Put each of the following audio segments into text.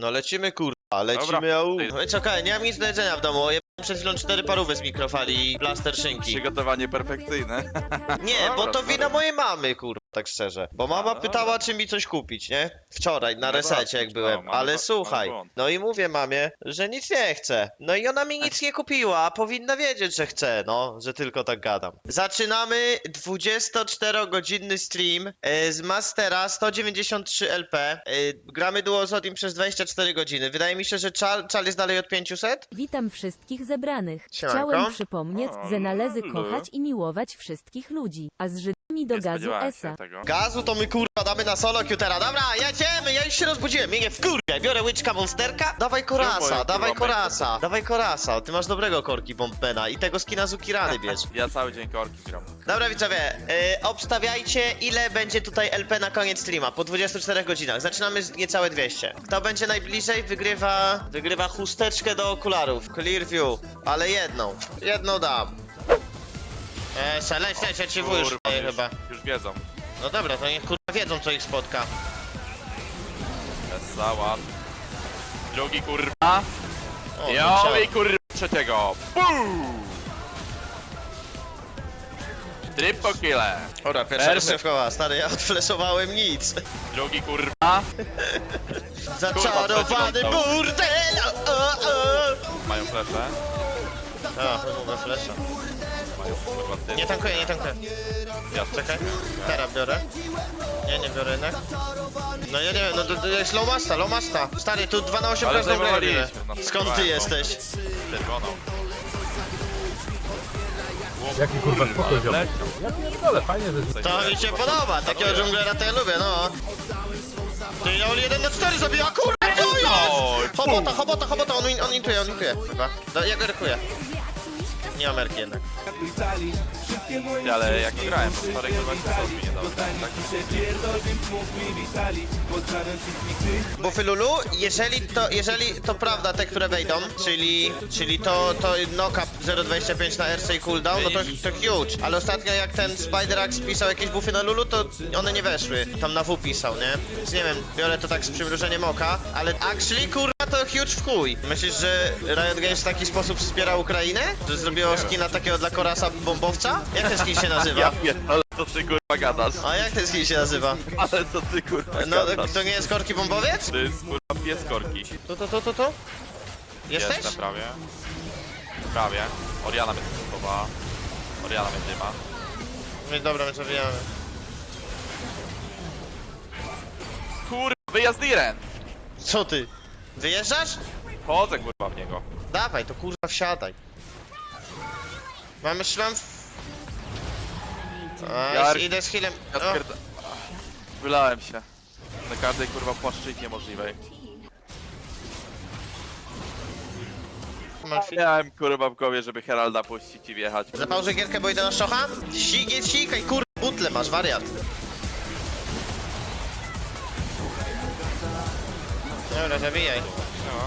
No lecimy kurwa, lecimy au. No i czekaj, nie mam nic do jedzenia w domu. Ja przed chwilą 4 parówy z mikrofali i plaster szynki. Przygotowanie perfekcyjne. Nie, bo Dobra, to wina dobra. mojej mamy, kurwa, tak szczerze. Bo mama dobra. pytała, czy mi coś kupić, nie? Wczoraj, na No resecie, dobra, jak byłem. mamy Ale mamy słuchaj, błąd. no i mówię mamie, że nic nie chce. No i ona mi nic nie kupiła, a powinna wiedzieć, że chce, no, że tylko tak gadam. Zaczynamy 24-godzinny stream z Mastera 193 LP. Gramy duo z Odim przez 24 godziny. Wydaje mi się, że czal jest dalej od 500? Witam wszystkich zebranych. Siemanko. Chciałem przypomnieć, O, że należy lulu. kochać i miłować wszystkich ludzi, a z Żydami do Nie gazu spodziewałem się esa. tego. Gazu to my kurwa damy na solo Qtera. Dobra, jedziemy, ja już się rozbudziłem, mnie nie wkurwiaj. Biorę łyczka monsterka, dawaj korasa, moje, dawaj kurwa, korasa, dawaj korasa. Ty masz dobrego korki bombena i tego skina Zukirany bierz. Ja cały dzień korki gram. Dobra widzowie, obstawiajcie ile będzie tutaj LP na koniec streama, po 24 godzinach. Zaczynamy z niecałe 200. Kto będzie najbliżej wygrywa chusteczkę do okularów. Clearview, ale jedną dam. Leć, ci wujesz Kurwa, chyba. już wiedzą. No dobra, to niech kurwa wiedzą co ich spotka. Wesoła. Drugi kurwa. O, Jo ciao. i kurwa trzeciego. Pum! Triple kille. Dobra, pierwsza szefkowa, stary, ja odfleszowałem nic. Drugi kurwa. Zaczarowany Kurwa, burdel! Mają flesze. A, mówię flesza. Mają kurwa ty. Nie tankuję. Ja Czekaj, teraz biorę. Nie biorę jednak. No ja nie wiem, no to jest low masta. Stary, tu 2 na 8 Ale pewno robimy. zajmowaliśmy, no, Skąd ty próbowałem, jesteś? Czerwoną. Jaki kurwa spokój wziął. Leciał. Ja pierdolę, fajnie, że... To mi się podoba, takiego dżunglera to ja lubię, no. Ty, Joli 1 na 4 zabija, kurwa, to jest! Chobota, on intuje. Chyba. No, ja go rykuję. Nie ma merki jednak. Ale jak grałem, to wczoraj kurwa się nie dało. Tak? Buffy Lulu, jeżeli to prawda te, które wejdą, czyli to knock-up 0.25 na RC i cooldown, no to huge. Ale ostatnio jak ten Spider-Axe pisał jakieś buffy na Lulu, to one nie weszły. Tam na W pisał, nie? Więc nie wiem, biorę to tak z przymrużeniem oka, ale actually kurwa to huge w chuj. Myślisz, że Riot Games w taki sposób wspiera Ukrainę? Że zrobiło skina takiego dla Korasa bombowca? Jak ten skin się nazywa? Ja pierdolę, co ty kurwa gadasz? A jak ten skin się nazywa? Ale co ty kurwa No, gadasz? to nie jest korki bombowiec? To jest kurwa pies korki. Tu? Jesteś? Jestem prawie. Prawie. Oriana mnie zastosowała. Oriana mnie dyma. No i dobra, my zabijamy. Kurwa, wyjazd Iren! Co ty? Wyjeżdżasz? Chodzę kurwa w niego. Dawaj, to kurwa wsiadaj. Mamy szlam. Idę z healem. Ja spierda... Wylałem się. Na każdej kurwa płaszczyźnie możliwej. Miałem kurwa w głowie, żeby Heralda puścić i wjechać. Zapałżę gierkę, bo idę na szocha? Sikaj, kurwa, butle masz, wariat. Dobra, zabijaj. No.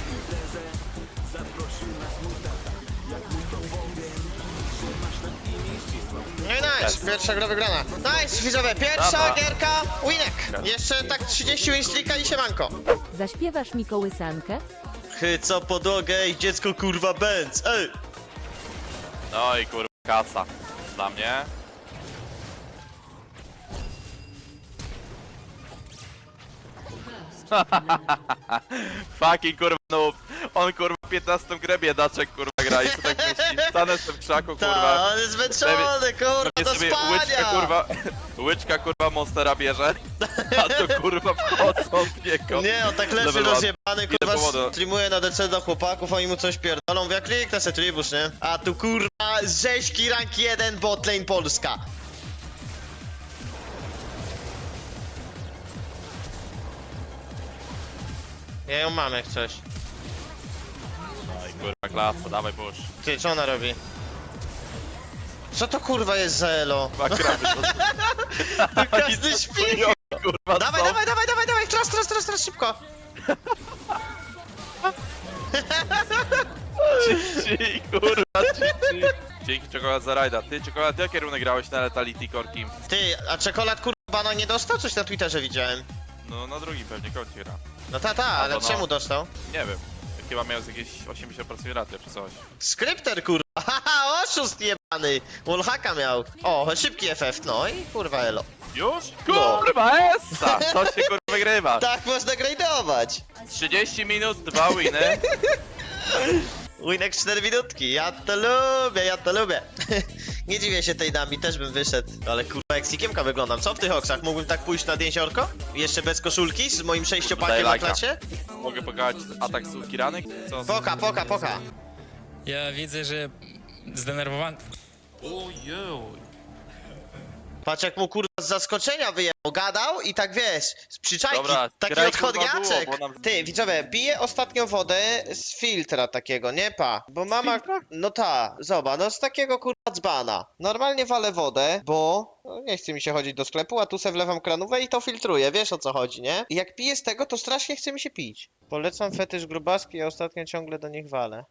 No i nice, Jest. pierwsza gra wygrana. Nice, widzowie, pierwsza Dobra. gierka, winek. Jeszcze tak 30 winstreaka i siemanko. Zaśpiewasz mi kołysankę? Chyca podłogę i dziecko kurwa bęc, ej! No i kurwa kasa. Dla mnie. Fucking kurwa noob. On kurwa 15 grę biedaczek kurwa gra i co tak myśli. Stanę w tym krzaku kurwa. Ta, on jest zmęczony, kurwa, Nie do sobie spania! łyczka kurwa monstera bierze, a to kurwa wchodzą w niego. Nie, on tak leży Level up. rozjebany, Ile kurwa, powodu? streamuje na DC do chłopaków, oni mu coś pierdolą, mówię, kliknę se tribus, nie? A tu kurwa, rzeźki rank 1, botlane Polska. Ja ją mam jak coś. No i kurwa klasa, dawaj burz. Ty, co ona robi? Co to kurwa jest za elo? Makramy to Każdy śpi! kurwa Dawaj, są. dawaj, teraz, szybko! Ci, kurwa, ci. Dzięki czekolad za rajda. Ty, czekolad, jakie kierunek grałeś na Letality Korki? Ty, a czekolad kurwa bana nie dostał? Coś na Twitterze widziałem. No na drugim pewnie koncie gra. No ale to no. czemu dostał? Nie wiem. Chyba miał z jakieś 80% raty czy coś. Skrypter, kurwa. Haha, oszust jebany. Wallhacka miał. O, szybki FF, no i kurwa elo. Już? No. Kurwa, essa! To się kurwa wygrywa. Tak można grade'ować. 30 minut, 2 winy. Winek 4 minutki, ja to lubię. Nie dziwię się tej dami, też bym wyszedł. Ale kurwa, jak Sikiemka wyglądam, co w tych oksach? Mógłbym tak pójść nad jeziorko? Jeszcze bez koszulki, z moim 6-pakiem Daj na lajka. klacie? Mogę pokazać atak z Kiranek? Co? Poka. Ja widzę, że zdenerwowany. Patrz jak mu kurwa z zaskoczenia wyjechał, gadał i tak wiesz, z przyczajki, Dobra, taki graj, kurwa, odchodniaczek. było, bo nam- Ty, widzowie, piję ostatnio wodę z filtra takiego, nie pa, bo mama, filtra? no ta, zobacz, no z takiego kurwa dzbana. Normalnie walę wodę, bo no, nie chce mi się chodzić do sklepu, a tu se wlewam kranówę i to filtruję, wiesz o co chodzi, nie? I jak piję z tego, to strasznie chce mi się pić. Polecam fetysz grubaski, ja ostatnio ciągle do nich walę.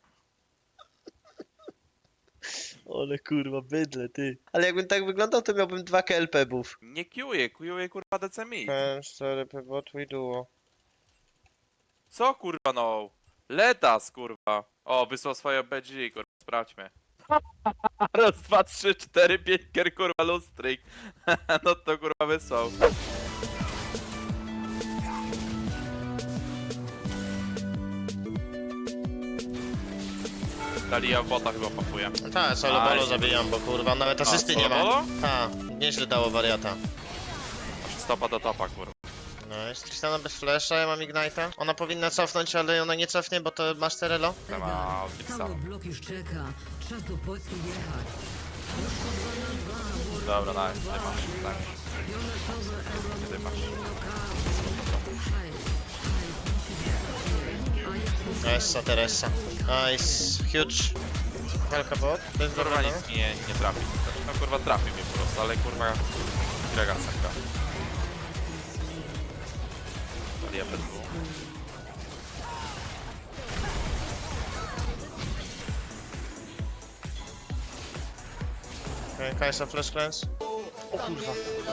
Ale kurwa, bydle, ty. Ale jakbym tak wyglądał, to miałbym 2 KLP-bów. Nie kiuje kurwa DCMI. 4P bot i duo. Co kurwa no? Letas kurwa. O, wysłał swoje BG kurwa, sprawdźmy. Raz, 2, 3, 4, 5 kier kurwa lustryk. No to kurwa wysłał. Dalia bota chyba papuje. Tak, solo Aj, bolo nie zabijam, bo kurwa nawet asysty nie ma. solo Tak, nieźle dało wariata. Stopa do topa kurwa. No jest Tristana bez flasha, ja mam Ignite'a. Ona powinna cofnąć, ale ona nie cofnie, bo to masz Terelo. Nie ma Odyxa. Cały blok już czeka. Czas do Polski jechać. Dobra, nice, ty masz, tak. Ty masz. Essa, Teresa. Nice, huge. Helka bot, bez Kurwa dorwania. nic nie trafi. Znaczy, no kurwa trafi mnie po prostu, ale kurwa Gragasa gra. Dalia bez dwóch. Okay, Kajsa flash cleanse. O kurwa.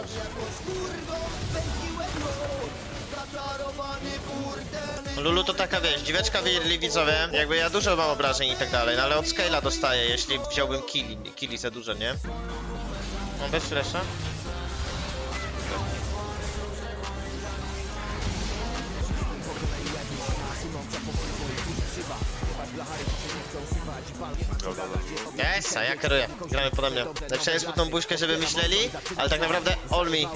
Lulu to taka wiesz, dziweczka widzowie, jakby ja dużo mam obrażeń i tak dalej, no ale od scale'a dostaję, jeśli wziąłbym killi za dużo, nie? Mam bez flasha? Esa, ja kieruję, gramy pode mnie. Napisałem smutną buźkę, żeby myśleli, ale tak naprawdę all me.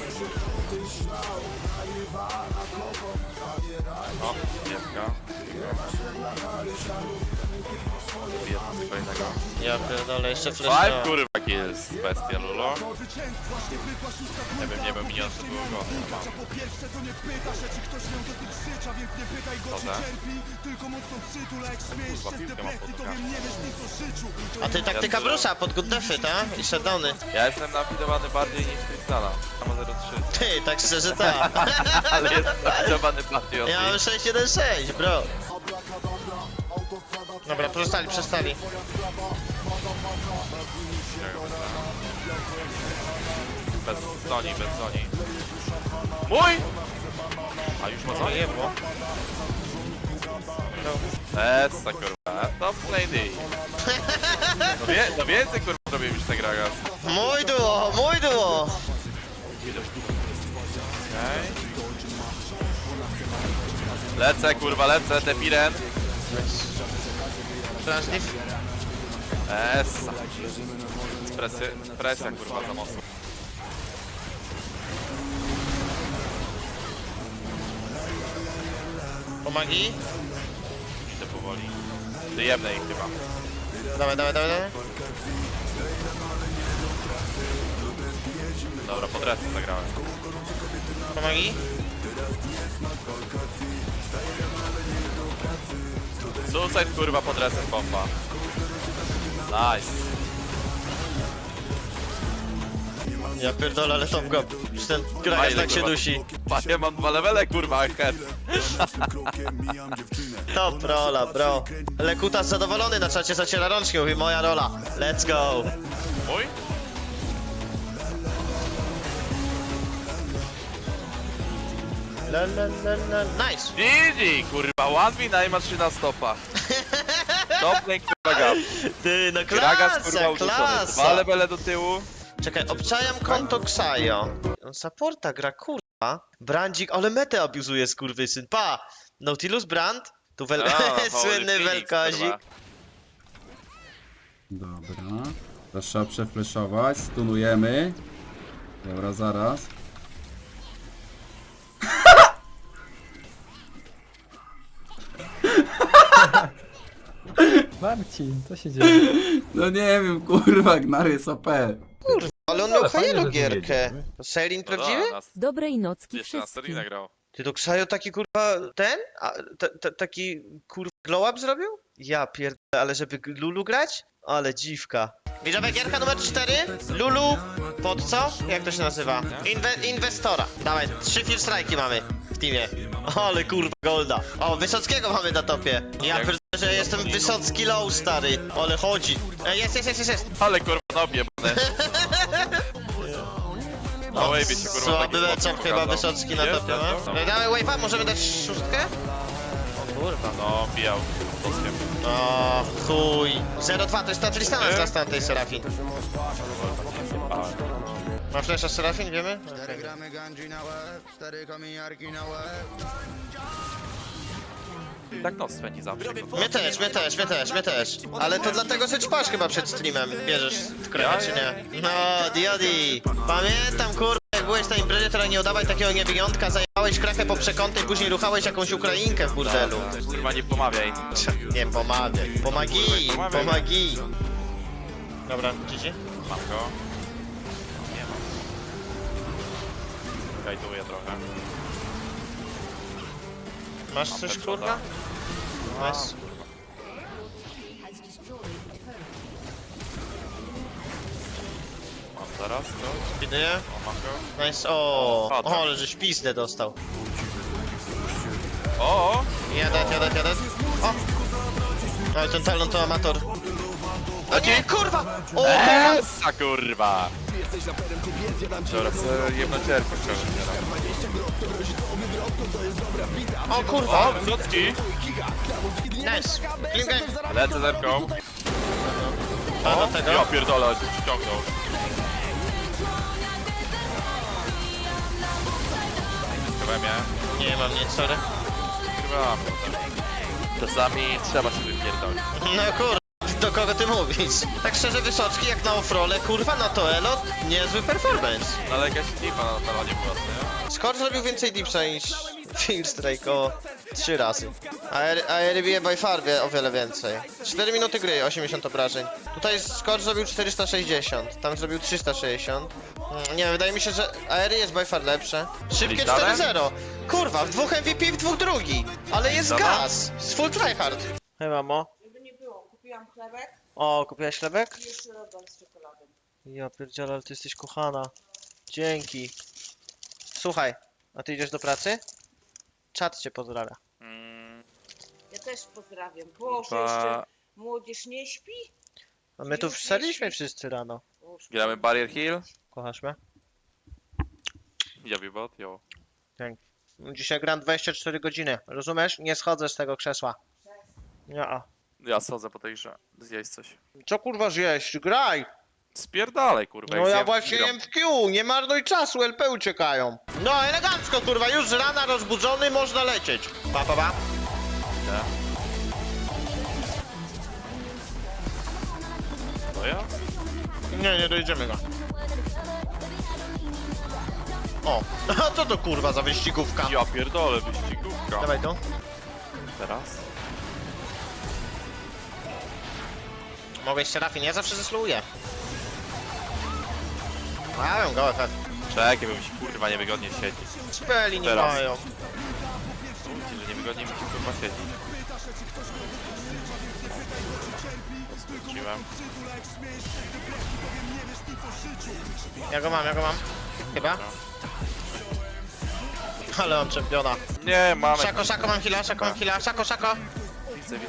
O, piewka. Bije tam kolejnego. Ja pierdolę, jeszcze Five flash. kurwa kills, bestia Lulo. Nie wiem, minion to było go. Dobra. Kurwa, piłkę mam pod nogami. A ty taktyka Brusa pod good defy, ta? I shutdowny. Ja jestem napidowany bardziej niż Krystala. Mam 0,3. Ty, tak szczerze ta. Ale jestem napidowany bardziej od Ja mam nich. 6-1-6, bro. Dobra, przestali. Bez Sony. Mój! A już ma Sony? Jebło. Essa kurwa, top lady. No więcej kurwa robię niż ten Gragas. Mój duo. Okej. Lecę, Depiren. Transliv. Essa. Presja kurwa za mocno. Pomagi. Idę powoli. Wyjemne ich chyba. Dawaj. Dobra, pod resy zagrałem. Pomagi. Suicide kurwa pod resem pompa. Nice. Ja pierdolę, ale top go. Już ten Gragas Fajne, tak się kurwa. dusi. Ja mam 2 levele kurwa, head. Top rola, bro. Lekutas zadowolony na czacie, zaciera rączki, mówi moja rola. Let's go. Mój? Nice! GG, kurwa, 1v9 ma 3 na stopa. Dobry kurwa gap. Ty, no Gragas kurwa klasa, uduszony. 2 klasa! levele do tyłu. Czekaj, obczajam konto Xayo. On supporta gra, kurwa. Brandzik, ale metę abuzuje, skurwysyn. Pa! Nautilus Brand, tu słynny Phoenix, welkozik. kurwa. Dobra. Teraz trzeba przefleszować, stunujemy. Dobra, zaraz. Marcin, co się dzieje? No nie wiem, kurwa, Gnar jest OP. Ale on miał Ale fajnie, fajną że gierkę. zmienili. To Sailing No prawdziwy? da, nas Dobrej nocki jeszcze na wszystkim. Sterlinga grał. Ty to Xayo taki kurwa ten? Taki kurwa glow up zrobił? Ja pierdolę, ale żeby Lulu grać? Ale dziwka. Widzowa gierka numer 4. Lulu pod co? Jak to się nazywa? Inwestora. Dawaj, 3 field strike'i mamy w teamie. Ale kurwa golda. O, Wysockiego mamy na topie. Ja pierdolę, że jestem Wysocki low, stary. Ale chodzi. Jest. Ale kurwa nobie, bane. Na wave'ie się kurwa Słaby taki meczem spot chyba pokazał. Wysocki na Jest, topie, jest, no. jest. Dawaj wave'a, możemy dać szóstkę? O kurwa. No, bijał. Toskiem. O, chuj. 0-2, to jest ta Tristana z last tej Serafin. Ma flesza Serafin, wiemy? 4 gramy ganji na łeb, 4 kominiarki na łeb. Tak noc spędzi zawsze. Mnie też. Ale to dlatego, że ćpasz chyba przed streamem. Bierzesz w krowę, czy nie? No, Diodi. Pamiętam, kurwa, jak byłeś na imprezie, to nie udawaj takiego niewyjątka, zajebałeś krachę po przekątnej, później ruchałeś jakąś Ukrainkę w burdelu. Kurwa nie pomawiaj. Nie, pomawiaj. Pomagi. Dobra, GG. Mam go. Nie mam. Kajtuję trochę. Masz Mam coś, headshota. kurwa? Nice. Mam zaraz, co? Widuję. O, mam go. Nice, o, Padłem. ale żeś pizdę dostał. O! Jadę. O! Ale ten talon to amator. O nie, kurwa! O, kurwa! Esa kurwa! Dobra, chcę jedno cierpę O kurwa! O, Wysocki! Nice! Klinkę! Lecę zerką. A do Ja tego? pierdolę, ściągnął. Chyba mnie. Nie mam nic, sorry. Chyba. Czasami trzeba się wypierdolić. No kurwa, do kogo ty mówisz? Tak szczerze, Wysocki jak na offrole, kurwa, na to elo, niezły performance. No ale jakaś lipa na talonie była, nie? Skor zrobił więcej dipsa niż Field Strike o 3 razy. A RBE by far wie o wiele więcej. 4 minuty gry, 80 obrażeń. Tutaj Skor zrobił 460, tam zrobił 360. Nie wiem, wydaje mi się, że AR jest by far lepsze. Szybkie Listałem? 4-0. Kurwa, w 2 MVP, w 2 drugi. Ale jest Listałem? gaz. Z full tryhard. Hej mamo. Żeby nie było, kupiłam chlebek O, kupiłaś chlebek? i jeszcze rodem z czekoladą. Ja pierdzielę, ale ty jesteś kochana. Dzięki. Słuchaj, a ty idziesz do pracy? Czat cię pozdrawia. Ja też pozdrawiam. Boże, Chyba- jeszcze młodzież nie śpi? A my tu wstaliśmy wszyscy rano. Boże. Gramy Barrier Hill. Kochasz mnie? Jawi bot, jo. Dzięki. Dzisiaj gram 24 godziny. Rozumiesz? Nie schodzę z tego krzesła. Nie. Ja schodzę po tej grze. Zjeść coś. Co kurwa zjeść? Graj! Spierdalej kurwa. No jak ja zjem, właśnie gram. jem w Q, nie marnuj czasu, LP uciekają. No elegancko kurwa, już z rana rozbudzony, można lecieć. Pa. Idę. To ja? Nie dojdziemy go. O, a co to kurwa za wyścigówka? Ja pierdolę, wyścigówka. Dawaj to. Teraz? Mogę jeszcze Rafin, ja zawsze zesluję. Mają go efekt. Czekaj, bo mi się kurwa niewygodnie siedzi. Speli nie Teraz. mają. Mówicie, że niewygodnie mi się kurwa siedzi. Odskoczyłem. Ja go mam. Chyba? Ale on czempiona. Nie, mamy. Szako, mam heala, szako. Widzę.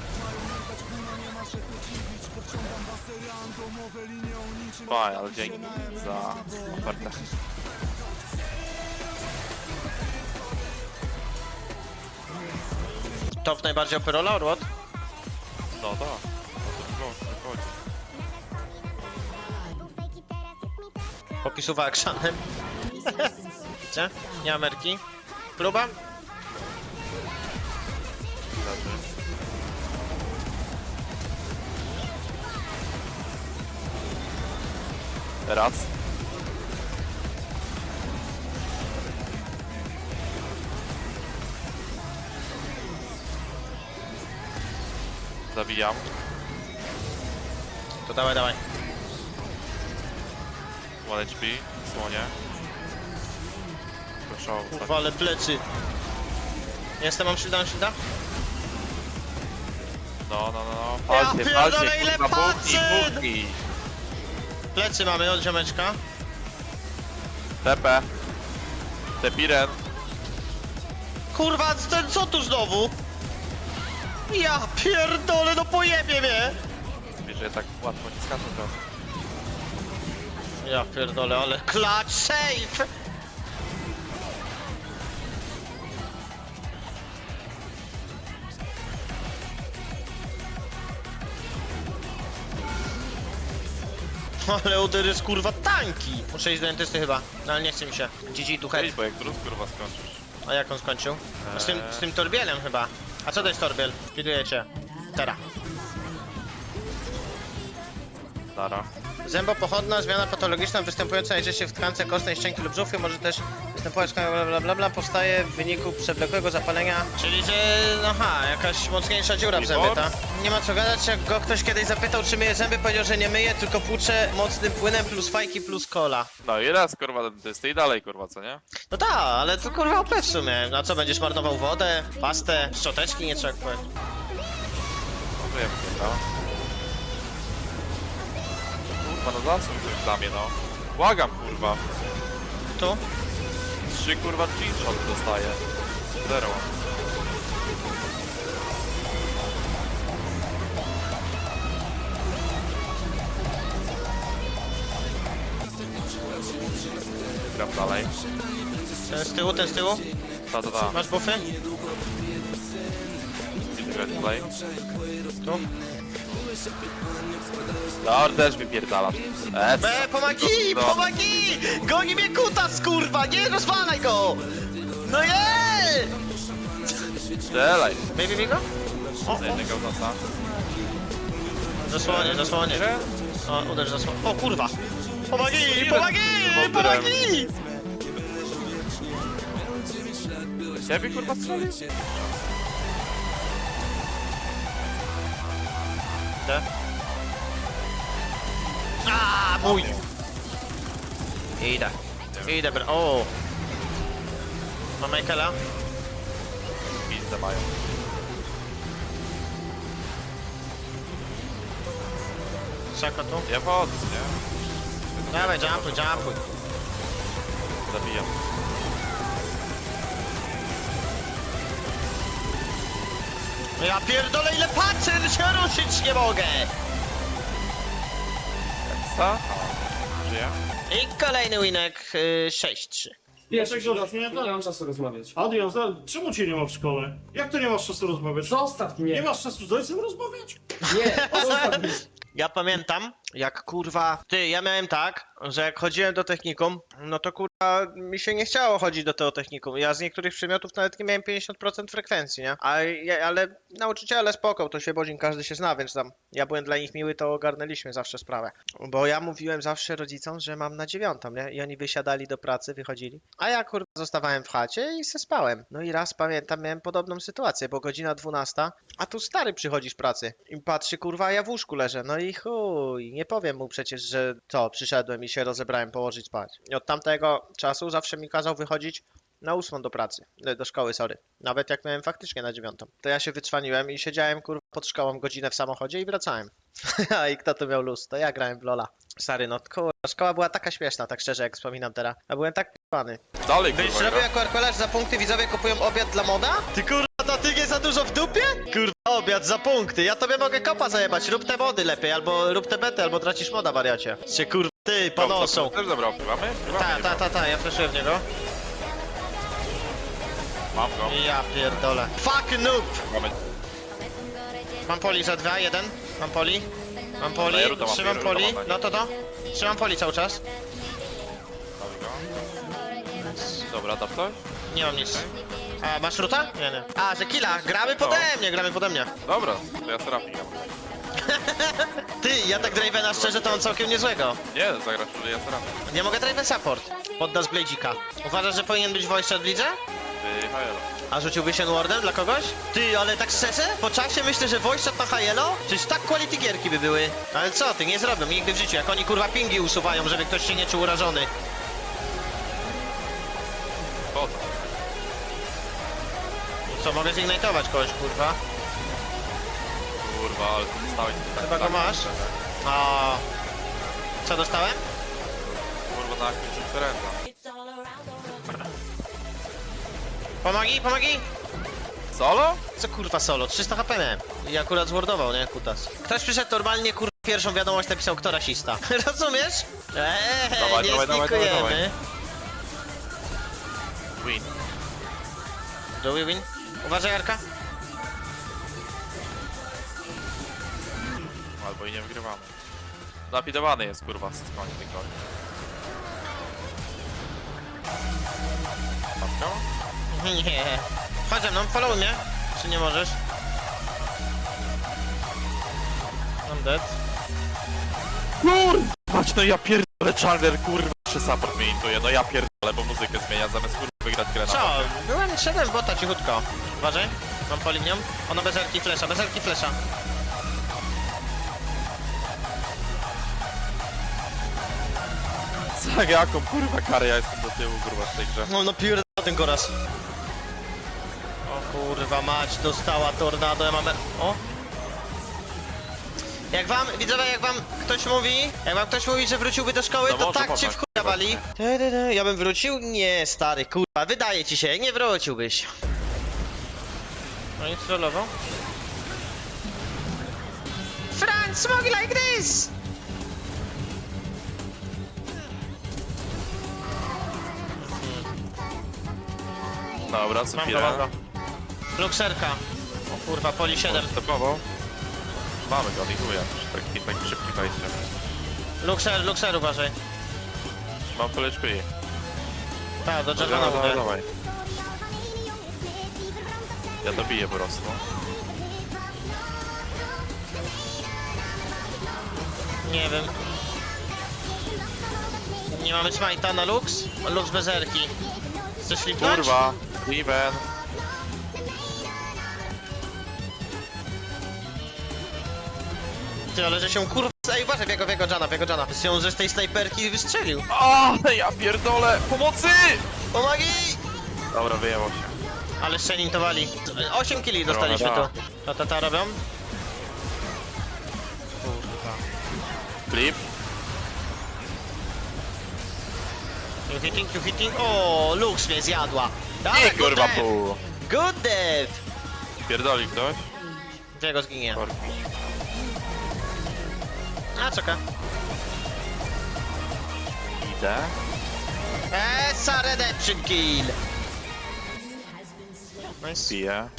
Fajnie, ale dzięki za ofertę. Top najbardziej operola, or what? No tak. No to wychodzi. Popisuwa actionem. Widzę? Nie Ameryki. Próba? Teraz. Zabijam. To dawaj, dawaj. 1 HP, słonie. Proszę, Kurwa, ale plecy. Jestem, mam shielda, mam shielda? no. Ja Palcie, pierdolę, palcie, ile kurwa, palcyn! buki. Plecy mamy od ziomeczka. Tepe. Tepiren. Kurwa, co tu znowu? Ja pierdolę, no pojebie mnie! Wiesz, że tak łatwo nie skaczą teraz. Ja pierdolę, ale clutch safe! Ale uder jest kurwa tanki! Muszę iść do dentysty chyba, no ale nie chce mi się. GG tu head. Idź, bo jak drus kurwa skończysz. A jak on skończył? Z tym torbielem chyba. A co to jest torbiel? Spiduję cię. Teraz. Dara. Zębopochodna, zmiana patologiczna występująca najczęściej w tkance kostnej szczęki lub żółwie może też występować bla, powstaje w wyniku przewlekłego zapalenia. Czyli że, aha, jakaś mocniejsza dziura w zębie, ta? Nie ma co gadać, jak go ktoś kiedyś zapytał, czy myje zęby, powiedział, że nie myje, tylko płucze mocnym płynem plus fajki plus cola. No i raz kurwa dentysty i dalej kurwa, co nie? No tak, ale to kurwa OP w sumie. No co, będziesz marnował wodę, pastę, szczoteczki, nie trzeba kupować. No wiem, kurwa. Kurwa, no zasuń coś dla mnie, no. Błagam, kurwa. Tu? 3 kurwa shot dostaję. 0. Gram dalej. Ten z tyłu, ten z tyłu. Ta. Masz buffy? Red play. Tu. No, też wypierdalasz. B, pomagi! No. Pomagi! Goni mnie kutas, kurwa! Nie rozwalaj go! No je! Strzelaj. Baby go? O, Jednego nosa. zasłonię, zasłonię. O, uderz zasłonię. O kurwa! Pomagi! Steven. Pomagi! Pomagi! Ciebie kurwa strzelił? Gdzie? A, mój! Idę, bro. O! Mam Michaela? Pizdę mają. Szako tu? Ja wchodzę, nie? Dawaj, jumpuj. Zabijam. Ja pierdolę, ile patrzę, się ruszyć nie mogę! Co? Żyje? I kolejny winek 6-3. Pierwszy nie mam czasu rozmawiać. Adrian, czemu cię nie ma w szkole? Jak to nie masz czasu rozmawiać? Zostaw mnie! Nie masz czasu z ojcem rozmawiać? Nie! Zostaw mnie! Ja pamiętam, jak kurwa... ja miałem tak, że jak chodziłem do technikum, no to kurwa mi się nie chciało chodzić do tego technikum. Ja z niektórych przedmiotów nawet nie miałem 50% frekwencji, nie? Ale nauczyciele spoko, to się Bodzin, każdy się zna, więc tam ja byłem dla nich miły, to ogarnęliśmy zawsze sprawę. Bo ja mówiłem zawsze rodzicom, że mam na 9, nie? I oni wysiadali do pracy, wychodzili. A ja kurwa zostawałem w chacie i se spałem. No i raz pamiętam, miałem podobną sytuację, bo godzina 12, a tu stary przychodzi z pracy i patrzy kurwa, a ja w łóżku leżę. No i chuj, nie powiem mu przecież, że przyszedłem i się rozebrałem położyć spać. I od tamtego czasu zawsze mi kazał wychodzić na 8 do pracy, do szkoły, sorry. Nawet jak miałem faktycznie na 9. To ja się wytrzwaniłem i siedziałem kurwa pod szkołą godzinę w samochodzie i wracałem. A i kto tu miał luz? To ja grałem w Lola. Stary, no kurwa, szkoła była taka śmieszna, tak szczerze jak wspominam teraz. Ja byłem tak p***ny. Dalej Byś kurwa. robił jako arkolarz za punkty, widzowie kupują obiad dla moda? Ty kurwa, to ty nie za dużo w dupie? Kurwa, obiad za punkty. Ja tobie mogę kopa zajebać. Rób te mody lepiej, albo rób te bety, albo tracisz moda, wariacie. Cię kurwa, ty, ponoszą. Też zabrał, mamy? Ta, ja flaszuję w niego. Mam go. Ja pierdolę. Fuck noob! Mamy. Mam poli za 2, 1. Mam poli. Mam poli, Daję ruda, mam trzymam ruda, poli. mam na nim. No to. Trzymam poli cały czas. Mamy go. Dobra, da ktoś? Nie mam nic. A masz ruta? Nie, nie. A, że killa. Gramy pode mnie. Dobra, to ja Serafin gram. Ty, ja tak Dravena szczerze to mam całkiem niezłego. Nie, zagrać, że ja Serafin. Nie mogę Draven support. Poddasz Bladzika. Uważasz, że powinien być voice w lidze? Ty, Hajelo. A rzuciłby się Wardem dla kogoś? Ty, ale tak szczerze? Po czasie myślę, że voice shot na Hajelo? Przecież tak quality gierki by były. Ale co ty, nie zrobią nigdy w życiu. Jak oni kurwa pingi usuwają, żeby ktoś się nie czuł urażony. Po co? Co, mogę zignitować kogoś, kurwa? Kurwa, ale tu dostałeś tutaj. Chyba go masz. A. Co dostałem? Kurwa, na jakimś referenda. Pomagi! Solo? Co kurwa solo? 300 HP miałem. I akurat zwordował, nie? Kutas. Ktoś przyszedł normalnie, kurwa, pierwszą wiadomość napisał, kto rasista. Rozumiesz? Dawaj, nie dawaj, dawaj, znikujemy. dawaj. Win. Do we win? Uważaj, Arka. Albo i nie wygrywamy. Zapidowany jest, kurwa, z końca tej kory. Matko? Nie. Chodź ze mną, follow mnie. Czy nie możesz? I'm dead. Patrz, no ja pierdolę, Chandler, kurwa, jeszcze support mnie intuje, no ja pierdolę, bo muzykę zmienia, zamiast kurwa wygrać grę na Co? bocie. Byłem, szedłem w bota cichutko. Uważaj. Mam poli w nią. Ona bez erki flesza, bez erki flesza. Co, jaką kurwa karę ja jestem do tyłu, kurwa, w tej grze. No pierdolę ten goraz. O kurwa mać, dostała tornado, ja mam... O! Jak wam, widzowie, jak wam ktoś mówi, że wróciłby do szkoły, No to może, tak można, cię w chuja wali. Ja bym wrócił? Nie, stary, kurwa, wydaje ci się, nie wróciłbyś. No i trollował. Frank, smoke like this! Dobra, Mam co go, chwilę. mam go. Luxerka. O kurwa, poli 7. Stepowo. Mamy go, likuję. Tak szybki wejście. Luxer, uważaj. Mam full HP. Tak, do Dobra, Jarvana dawaj, mówię. dawaj. Ja dobiję po prostu. Nie wiem. Nie mamy smite'a na Lux? Lux bez erki. Chcesz flipnąć? Kurwa, Steven. Ty, ale że się kurwa... Ej, uważaj, w jego Jana. Się że z tej snajperki wystrzelił. O, ja pierdolę! Pomocy! Pomagi! Dobra, wyjęło się. Ale szczenintowali. 8 killi dostaliśmy tu. Dobra. To robią? Flip. You hitting. O, Lux mnie zjadła. Dawaj, Nie, good kurwa, dev. pół. Good dev. Pierdoli ktoś? Gdzie zginie? Korki. A, czeka. Idę. Esa redemption kill. Nice. Piję.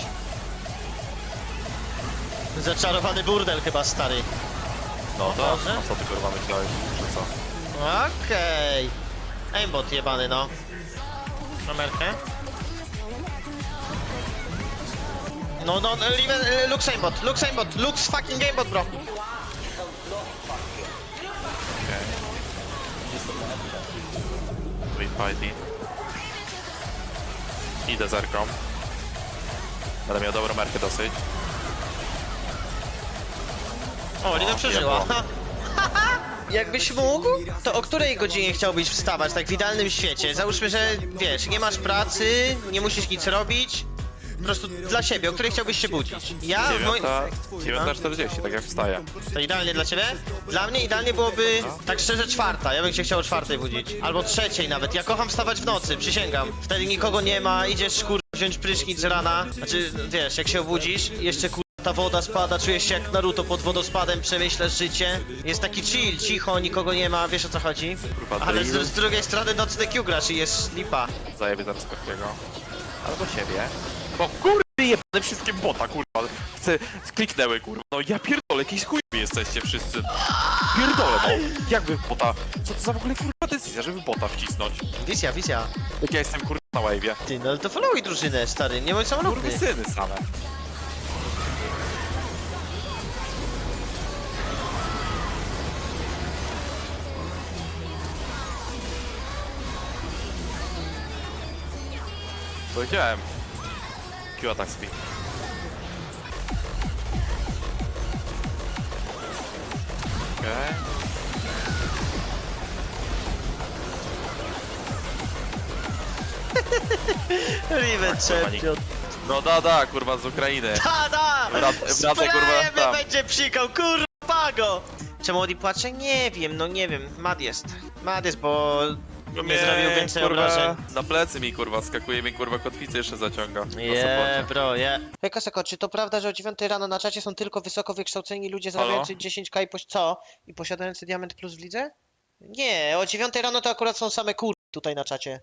Zaczarowany burdel chyba, stary. No to, Dobrze. a co ty kurwa myślałeś, że co? Okej. Aimbot jebany, no. Kamerkę. No, Lux aimbot, Lux fucking aimbot, bro. Wait fighting. Idę zerką. Będę miał dobrą merkę dosyć. O, Lina przeżyła. ja Jakbyś mógł, to o której godzinie chciałbyś wstawać, tak w idealnym świecie? Załóżmy, że wiesz, nie masz pracy, nie musisz nic robić. Po prostu dla siebie, o której chciałbyś się budzić? Ja w moim... 9:40, tak jak wstaję. To idealnie dla ciebie? Dla mnie idealnie byłoby, tak szczerze, 4. Ja bym się chciał o 4 budzić. Albo 3 nawet. Ja kocham wstawać w nocy, przysięgam. Wtedy nikogo nie ma, idziesz wziąć prysznic z rana. Znaczy, wiesz, jak się obudzisz, jeszcze ta woda spada, czujesz się jak Naruto pod wodospadem, przemyślasz życie. Jest taki chill, cicho, nikogo nie ma, wiesz o co chodzi? Kurwa, Ale drill. z drugiej strony nocny Q grasz i jest lipa. Zajebie zaraz Korkiego. albo siebie. No kurwa, jebane wszystkie bota, kurwa. Kliknęły, kurwa. No ja pierdolę, jakiś chujowi jesteście wszyscy. Pierdolę, no. Jak wy w bota? Co to za w ogóle kurwa decyzja, żeby bota wcisnąć? Wizja. Jak ja jestem kurwa na wave'ie. Ty, no ale to followuj drużynę, stary, nie bądź samolubny. Kurwy syny same. Powiedziałem. Q attack speed. Okej. Riven champion. No da, kurwa z Ukrainy. Da! Wracaj, kurwa, tam. będzie psikał, kurwa, pago! Czemu Odi płacze? Nie wiem, no nie wiem. Mad jest, bo nie zrobił więcej obrażeń. Na plecy mi kurwa skakuje, mi kurwa kotwicę jeszcze zaciąga. Bro, Hej Koseko, czy to prawda, że o 9 rano na czacie są tylko wysoko wykształceni ludzie zarabiający 10k i posiadający diament plus w lidze? Nie, o 9 rano to akurat są same kurwy tutaj na czacie.